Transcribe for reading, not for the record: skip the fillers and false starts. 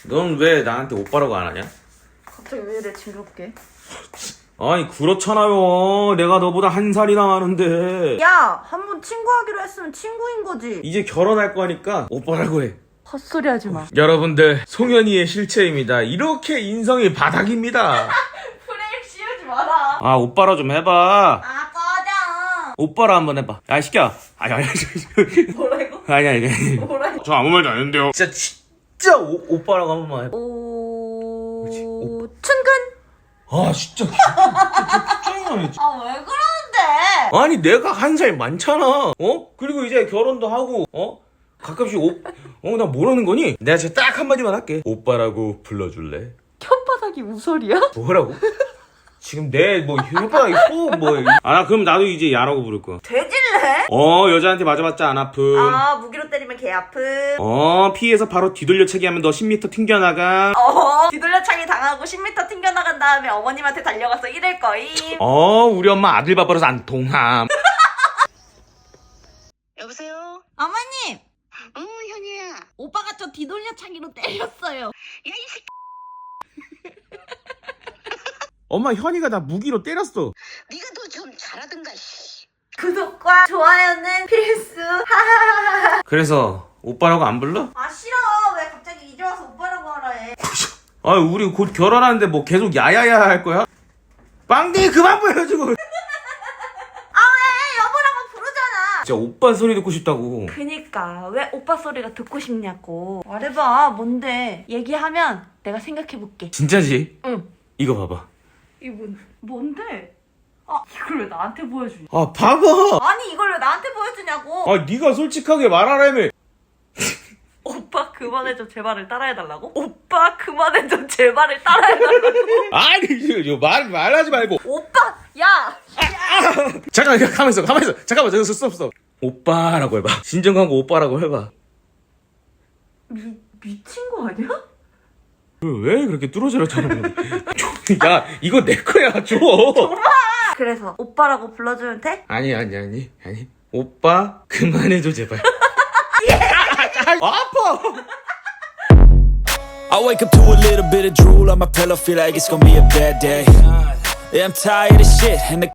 넌 왜 나한테 오빠라고 안 하냐? 갑자기 왜 이래 징그럽게? 아니 그렇잖아요. 내가 너보다 한 살이나 많은데. 야! 한번 친구하기로 했으면 친구인 거지. 이제 결혼할 거니까 오빠라고 해. 헛소리 하지 마. 여러분들, 송현이의 실체입니다. 이렇게 인성이 바닥입니다. 프레임 씌우지 마라. 아, 오빠라 좀 해봐. 아, 꺼져. 오빠라 한번 해봐. 야, 시켜. 아니. 뭐라고? 아니. 뭐라고? 저 아무 말도 안 했는데요. 진짜 오빠라고 한 번만 해봐. 춘근? 아, 진짜. 아, 왜 그러는데? 아니, 내가 한 살 많잖아. 그리고 이제 결혼도 하고, 가끔씩 나 뭐라는 거니? 내가 진짜 딱 한마디만 할게. 오빠라고 불러줄래? 혓바닥이 우설이야? 뭐라고? 지금 내 혓바닥이 소 그럼 나도 이제 야라고 부를 거야. 돼질래? 여자한테 맞아봤자 안 아픔. 아, 무기로 때리면 개 아픔. 피해서 바로 뒤돌려차기 하면 너 10m 튕겨나가. 뒤돌려차기 당하고 10m 튕겨나간 다음에 어머님한테 달려가서 이럴 거임. 우리 엄마 아들 밥 벌어서 안 통함. 여보세요? 어머님! 현이야. 오빠가 저 뒤돌려차기로 때렸어요. 야, 이 새끼. 엄마 현이가 나 무기로 때렸어. 네가 더 좀 잘하든가, 씨. 구독과 좋아요는 필수. 하하하하. 그래서 오빠라고 안 불러? 아, 싫어. 왜 갑자기 이제 와서 오빠라고 하라 해. 우리 곧 결혼하는데 뭐 계속 야야야 할 거야? 빵댕이 그만 보여주고. 아, 왜? 여보라고 부르잖아. 진짜 오빠 소리 듣고 싶다고. 그니까 왜 오빠 소리가 듣고 싶냐고. 말해봐. 뭔데? 얘기하면 내가 생각해볼게. 진짜지? 응. 이거 봐봐. 이거 뭔데? 아, 이걸 왜 나한테 보여주냐? 아, 봐봐. 아니, 이걸 왜 나한테 보여주냐고. 네가 솔직하게 말하라며. 오빠 그만해줘 제발을 따라해달라고? 오빠 그만해줘 제발을 따라해달라고? 아니, 이거 말하지 말고. 오빠! 야! 잠깐, 가만있어. 잠깐만, 저기 스톱. 오빠라고 해봐. 진정하고 오빠라고 해봐. 미친 거 아니야? 왜 그렇게 뚫어져라 저는. 야, 이거 내 거야, 줘. 그래서 오빠라고 불러주면 돼? 아니. 오빠, 그만해줘, 제발. 아파! I wake up to a little bit of drool on my pillow, feel like it's gonna be a bad day. Yeah, I'm tired of shit, and the